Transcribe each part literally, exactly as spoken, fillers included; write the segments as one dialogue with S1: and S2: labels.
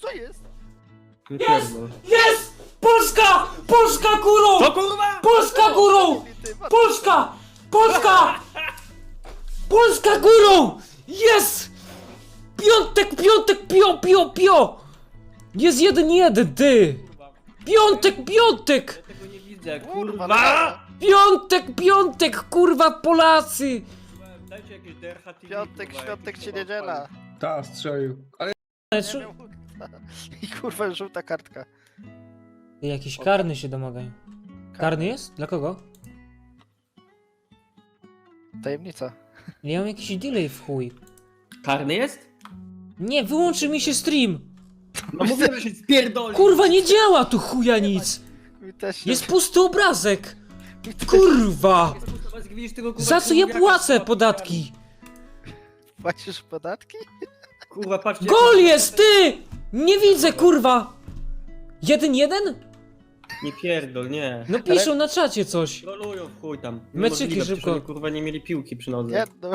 S1: Co jest?
S2: Jest!
S3: Pierdol.
S2: Jest! Polska! Polska górą!
S3: To kurwa!
S2: Polska górą!
S1: Ty, masz-
S2: Polska! Polska! Polska górą! Jest! Piątek, piątek, pio, pio, pio! Jest jeden, jeden, ty! Piątek, piątek!
S3: Ja tego nie widzę,
S1: Kurwa,
S3: kurwa!
S2: Piątek, piątek, kurwa, Polacy!
S3: Dajcie jakieś D R H T V,
S1: Piątek,
S3: kurwa,
S1: świątek
S3: jakiś
S1: czy
S3: kurwa
S1: niedziela.
S3: odpalić.
S4: Ta, strzelił. Ale
S1: Nie miał kurwa. I kurwa żółta kartka.
S2: Jakiś karny się domagają. Karny jest? Dla kogo?
S1: Tajemnica.
S2: Ja mam jakiś delay w chuj.
S3: Karny jest?
S2: Nie, wyłączy mi się stream!
S3: No mówię, że się spierdoli!
S2: Kurwa, nie działa tu chuja nic!
S1: Mi też się...
S2: Jest pusty obrazek! Kurwa!
S3: Widzisz tego, kurwa,
S2: Za co ja
S3: kurwiaka,
S2: płacę
S3: kurwa,
S2: podatki?
S1: Płacisz podatki?
S3: Kurwa, patrzcie...
S2: Gol jest, ty! Nie widzę, kurwa! Jeden, jeden?
S3: Nie pierdol, nie.
S2: No piszą na czacie coś.
S3: Trolują w chuj tam.
S2: Meczyki
S3: Niemożliwe,
S2: szybko.
S3: przecież oni, kurwa, nie mieli piłki przy nodze.
S1: Nie, no.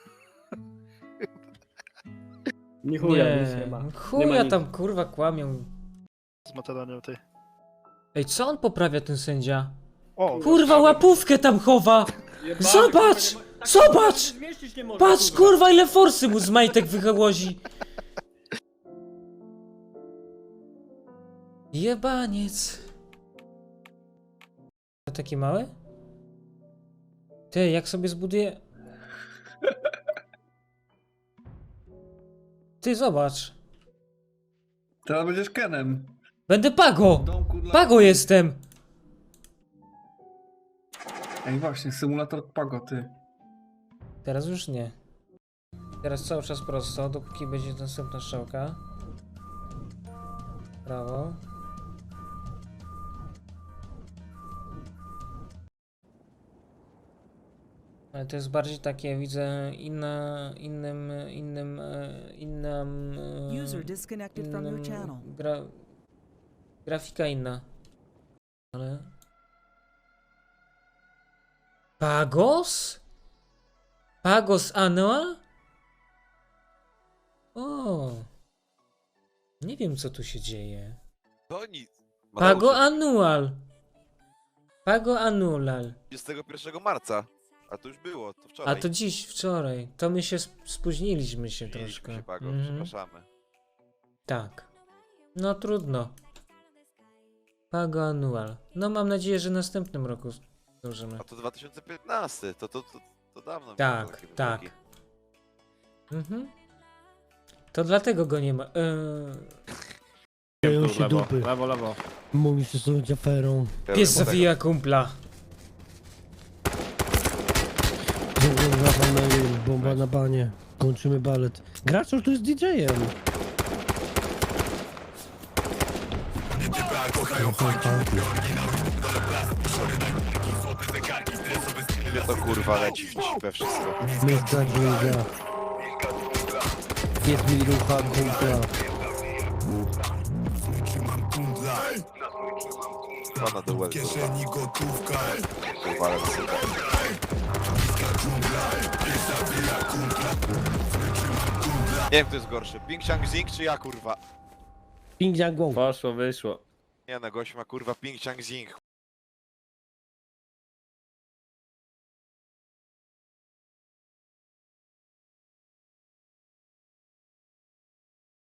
S3: Nie chuja, nic nie
S2: Nie,
S3: ma. Nie ma
S2: chuja
S3: nic.
S2: tam, kurwa, kłamią.
S1: Z Macedonią, ty.
S2: Ej, co on poprawia, ten sędzia?
S1: O,
S2: Kurwa, łapówkę tam chowa!
S3: Jebany,
S2: Zobacz!
S3: kurwa, nie ma-
S2: Zobacz!
S3: tak zmieścić nie może,
S2: Patrz, kurwa, ile forsy mu z majtek wychołozi! Jebaniec. Taki mały? Ty, jak sobie zbuduję... Ty, zobacz.
S4: teraz będziesz Kenem.
S2: Będę Pago!
S4: W domku dla...
S2: Pago jestem!
S4: Ej, właśnie, symulator Pago, ty.
S2: Teraz już nie. Teraz cały czas prosto, dopóki będzie następna strzałka. Prawo. Ale to jest bardziej takie, widzę, inna, innym, innym, e, innym, e,
S5: User disconnected from your
S2: innym
S5: channel.
S2: gra, grafika inna. Ale... Pagos? Pagos Annual? O, nie wiem co tu się dzieje.
S6: To nic.
S2: Pago
S6: Mateusz,
S2: Annual. Pago Annual.
S6: dwudziestego pierwszego marca. A to już było, to
S2: A
S6: wczoraj.
S2: to dziś, wczoraj. To my się sp- spóźniliśmy się
S6: Spóźniliśmy
S2: troszkę.
S6: się, Pago,
S2: Mhm.
S6: przepraszamy.
S2: Tak. No trudno. Pago Annual. No mam nadzieję, że w następnym roku zdążymy.
S6: A to dwa tysiące piętnasty, to, to, to, to dawno było
S2: Tak,
S6: takie
S2: tak.
S6: wyroki.
S2: Mhm. To dlatego go nie ma. Eee...
S7: Dzieją się dupy.
S3: Lewo, lewo.
S7: Mówisz, że są aferą.
S2: Pies
S6: Tego-
S2: zawija kumpla.
S7: Zapraszam na jej, bomba na banie. Kończymy balet. Graczor tu jest didżejem.
S6: Mnie to kurwa leci w- we wszystko.
S7: Mieszka gwiazda. Jest mi rucha kumpla.
S6: Pana do łeb, kurwa. Kurwa, ale super. Nie wiem, kto jest gorszy. Ping Chang Zing czy ja, kurwa?
S7: Ping Yang Gong.
S3: Poszło, wyszło.
S6: Nie no, gość ma kurwa Ping Chang Zing.